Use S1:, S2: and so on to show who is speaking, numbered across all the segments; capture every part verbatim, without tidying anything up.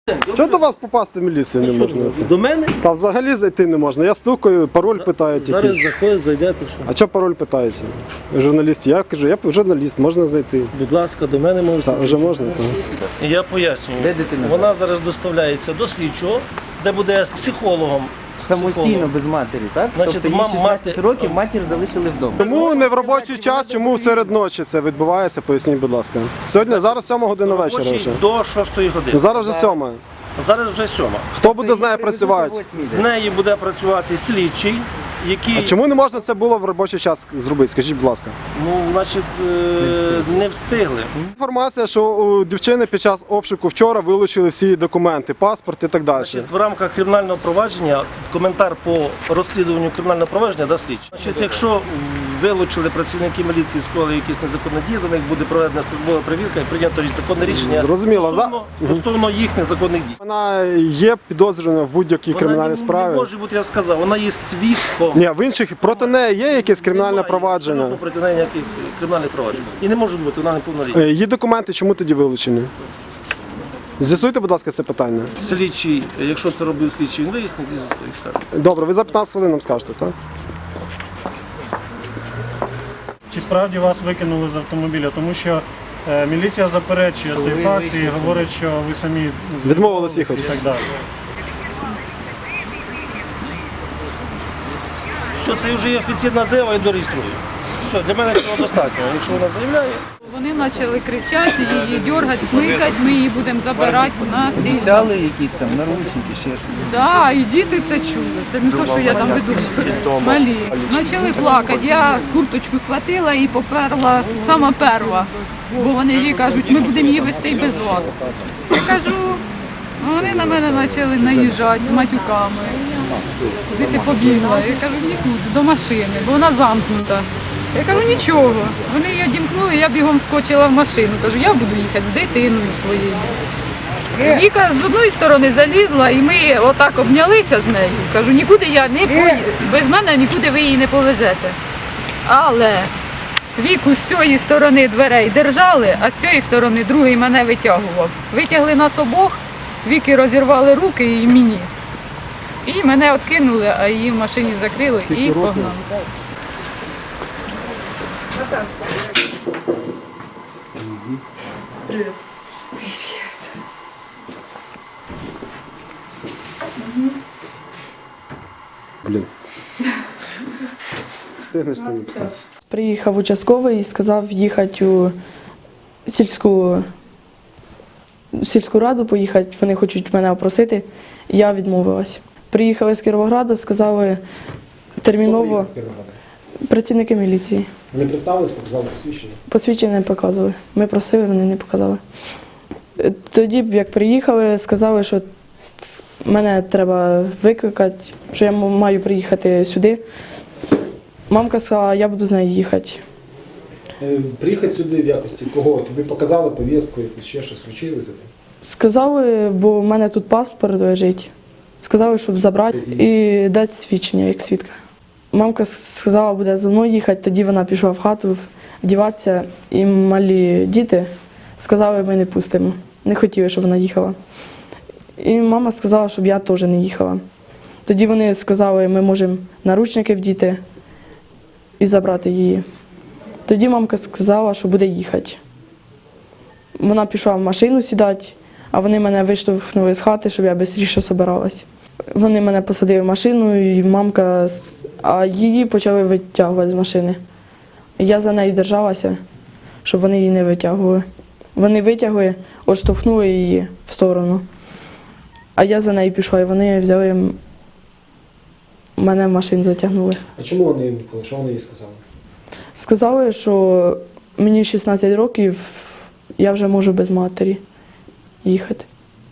S1: Чого до вас попасти в міліцію не можна?
S2: До мене?
S1: Та взагалі зайти не можна. Я стукаю, пароль питають.
S2: Зараз
S1: якийсь.
S2: заходить, зайдете. Що?
S1: А чого пароль питають? Журналіст. Я кажу, я журналіст, можна зайти.
S2: Будь ласка, до мене можете.
S1: Та вже можна. Та.
S2: Я пояснюю.
S3: Де дитина?
S2: Вона зараз доставляється до слідчого, де буде з психологом.
S3: Самостійно, без матері, так?
S2: Значить,
S3: тобто їй
S2: мам-
S3: шістнадцять
S2: мати-
S3: років матір залишили вдома.
S1: Чому не в робочий час, чому серед ночі це відбувається, поясніть, будь ласка. Сьогодні, зараз сьома година вечора вже.
S2: Робочий до шостої години.
S1: Ну, зараз вже сьома.
S2: Зараз вже сьома.
S1: Хто буде з нею працювати?
S2: З нею буде працювати слідчий, який,
S1: А чому не можна це було в робочий час зробити? Скажіть, будь ласка.
S2: ну, значить, е, не встигли.
S1: Інформація, що у дівчини під час обшуку вчора вилучили всі паспорти, паспорт і так далі.
S2: Значить, в рамках кримінального провадження коментар по розслідуванню кримінального провадження дасть слідчий. Значить, якщо вилучили працівники міліції, скоїли якісь незаконні дії, до них буде проведена службова перевірка і прийнято законне рішення
S1: Зрозуміло.
S2: стосовно, стосовно їх незаконних дій.
S1: Вона є підозрювана в будь-якій
S2: Вона
S1: кримінальній
S2: не,
S1: справі.
S2: не може бути, я сказав, вона є свідком.
S1: Ні, в інших проти неї є якесь кримінальне
S2: Немає
S1: провадження.
S2: абсолютно проти неї ніяких кримінальних проваджень. І не може бути, вона неповнолітня.
S1: Е, Її документи чому тоді вилучені? З'ясуйте, будь ласка, це питання.
S2: Слідчий, якщо це робив слідчий, він вияснить і скаже.
S1: Добре, ви за п'ятнадцять хвилин нам скажете, так?
S4: Чи справді вас викинули з автомобіля? Тому що е, міліція заперечує
S3: Що
S4: цей
S3: ви
S4: факт
S3: вийшли
S4: і
S3: самі.
S4: говорить, що ви самі ну,
S1: Відмовились їхати.
S4: і так далі.
S2: Все, це вже є офіційна заява і дореєструю. Все, для мене цього достатньо. Якщо вона заявляє,
S5: Вони почали кричати, її дергати, смикати, ми її будемо забирати у нас. І...
S3: Обіцяли якісь там наручники, ще щось.
S5: Да, і діти це чули. Це не те, що я там веду. Малі. Почали плакати. Я курточку схватила і поперла сама перва. Бо вони їй кажуть, ми будемо її вести і без вас. Я кажу, вони на мене почали наїжджати з матюками. Куди ти побігла? Я кажу, нікуди, до машини, бо вона замкнута. Я кажу, нічого. Вони її одімкнули, я бігом скочила в машину. Кажу, я буду їхати з дитиною своєю. Віка з одної сторони залізла, і ми отак обнялися з нею. Кажу, нікуди я не поїду, без мене нікуди ви її не повезете. Але Віку з цієї сторони дверей держали, а з цієї сторони другий мене витягував. Витягли нас обох, Віки розірвали руки і мені. І мене відкинули, а її в машині закрили і погнали. Привіт.
S1: Блін. Встигнеш ти написати.
S6: Приїхав участковий і сказав їхати у сільську, сільську раду, поїхати, вони хочуть мене опросити. Я відмовилась. Приїхали з Кіровограда, сказали терміново працівники міліції.
S1: Вони представились, показали посвідчення?
S6: Посвідчення не показували. Ми просили, вони не показали. Тоді, як приїхали, сказали, що мене треба викликати, що я маю приїхати сюди. Мамка сказала, я буду з нею їхати.
S1: Приїхати сюди в якості кого? Тобі показали повістку, якусь ще щось вручили тобі?
S6: Сказали, бо в мене тут паспорт лежить. Сказали, щоб забрати і дати свідчення як свідка. Мамка сказала, буде за мною їхати, тоді вона пішла в хату вдіватися, і малі діти сказали, ми не пустимо. Не хотіли, щоб вона їхала. І мама сказала, щоб я теж не їхала. Тоді вони сказали, ми можемо наручники вдіти і забрати її. Тоді мамка сказала, що буде їхати. Вона пішла в машину сідати, а вони мене виштовхнули з хати, щоб я швидше збиралась. Вони мене посадили в машину, і мамка, а її почали витягувати з машини. Я за нею держалася, щоб вони її не витягували. Вони витягли, відштовхнули її в сторону. А я за нею пішла, і вони взяли, мене в машину затягнули.
S1: А чому вони їм викликали? Що вони їй сказали?
S6: Сказали, що мені шістнадцять років, я вже можу без матері їхати.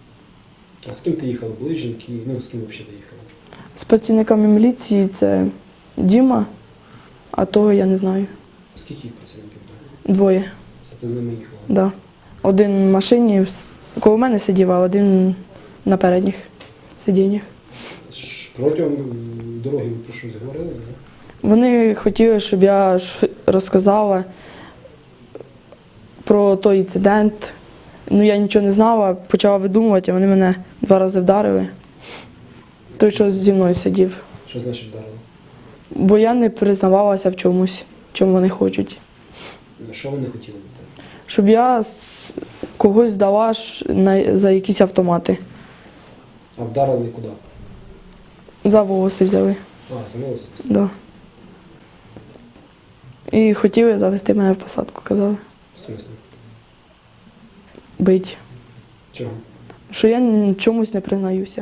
S1: А з ким ти їхала? Були жінки? Ну, з ким взагалі ти їхала?
S6: З працівниками міліції це Діма, а того я не знаю.
S1: Скільки працівників було?
S6: Двоє.
S1: Це ти з ними їхала?
S6: Да. Один в машині коло мене сидів, а один на передніх сидіннях.
S1: Протягом дороги ви про щось говорили? Не?
S6: Вони хотіли, щоб я розказала про той інцидент, Ну я нічого не знала, почала видумувати, а вони мене два рази вдарили. Той, що зі мною сидів.
S1: Що значить вдарили?
S6: Бо я не признавалася в чомусь, чому вони хочуть.
S1: Що вони хотіли бути?
S6: Щоб я с- когось здала ш- на, за якісь автомати.
S1: А вдарили куди?
S6: За волоси взяли.
S1: А, замилися.
S6: Да. І хотіли завести мене в посадку, казали.
S1: В смислі?
S6: Бить.
S1: Чого?
S6: Що я н- чомусь не признаюся.